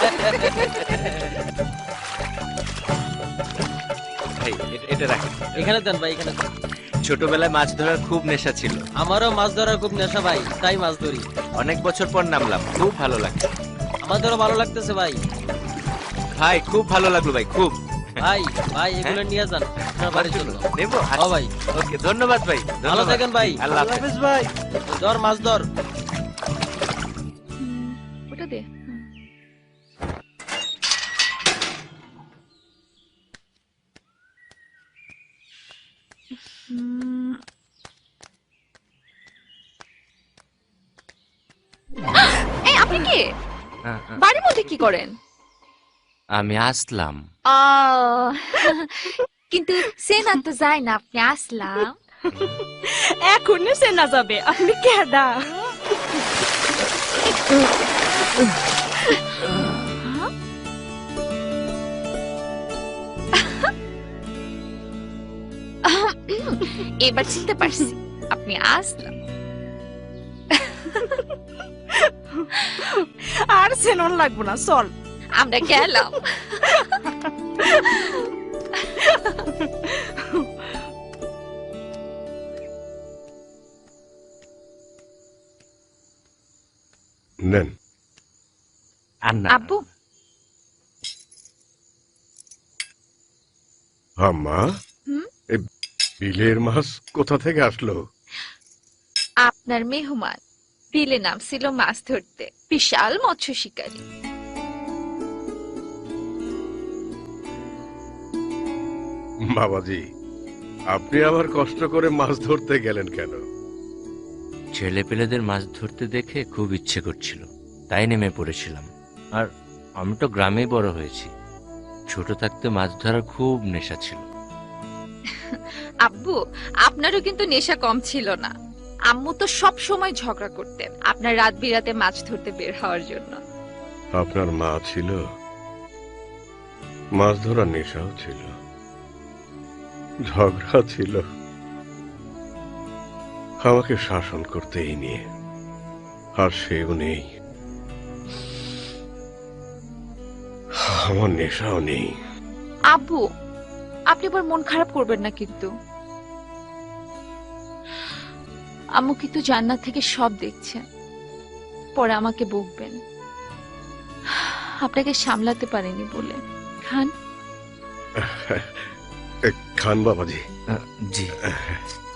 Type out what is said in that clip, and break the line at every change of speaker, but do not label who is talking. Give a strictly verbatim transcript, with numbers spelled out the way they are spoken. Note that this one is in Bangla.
ভাই এটা রাখেন,
এখানে দেন ভাই, এখানে দেন।
ছোটবেলায় মাছ ধরার খুব নেশা ছিল।
আমারও মাছ ধরার খুব নেশা ভাই, তাই মাছ ধরি।
অনেক বছর পর নামলাম, খুব ভালো লাগছে।
আমাদেরও ভালো লাগতেছে ভাই।
ভাই খুব ভালো লাগলো ভাই, খুব।
ভাই ভাই এগুলো নিয়ে যান আপনার বাড়ির জন্য।
নেবো?
ও ভাই
ওকে, ধন্যবাদ ভাই।
ভালো থাকেন ভাই।
আল্লাহ হাফেজ ভাই।
ধর মাছ ধর।
ওটা দে। হুম। এই আপনি কি বাড়ির মধ্যে কি করেন?
আমি আসলাম।
আহ, কিন্তু সেনা তো যায় না, আপনি আসলাম।
এখন সেনা যাবে, আপনি কেডা?
এবার চিনতে পারছি, আপনি আসলাম।
আর সেনন লাগবো না, চল
আমরা গেলাম।
নেন।
আব্বু,
আম্মা,
হুম?
এই বিলের মাছ কোথা থেকে আসলো?
আপনার মেহমান বিলে নামছিল মাছ ধরতে, বিশাল মৎস্য শিকারী।
বাবাজি, আপনি আবার কষ্ট করে মাছ ধরতে গেলেন কেন?
ছেলে পেলেদের মাছ ধরতে দেখে খুব ইচ্ছে করছিল, তাই নেমে পড়েছিলাম। আর আমি তো গ্রামেই বড় হয়েছি, ছোট থাকতে মাছ ধরার খুব নেশা ছিল।
আব্বু, আপনারও কিন্তু নেশা কম ছিল না। আম্মু তো সব সময় ঝগড়া করতেন আপনার রাত বিরাতে মাছ ধরতে বের হওয়ার জন্য।
আপনার মা ছিল, মাছ ধরার নেশাও ছিল, ঝগড়া ছিল, আমাকে শাসন করতে এই নিয়ে। আর সেও নেই, আমার নেশাও নেই।
আব্বু, আপনি আবার মন খারাপ করবেন না কিন্তু। আম্মু কিন্তু জান্নাত থেকে সব দেখছেন, পরে আমাকে বকবেন আপনাকে সামলাতে পারেনি বলে। খান।
খান বাবাজি।
জি।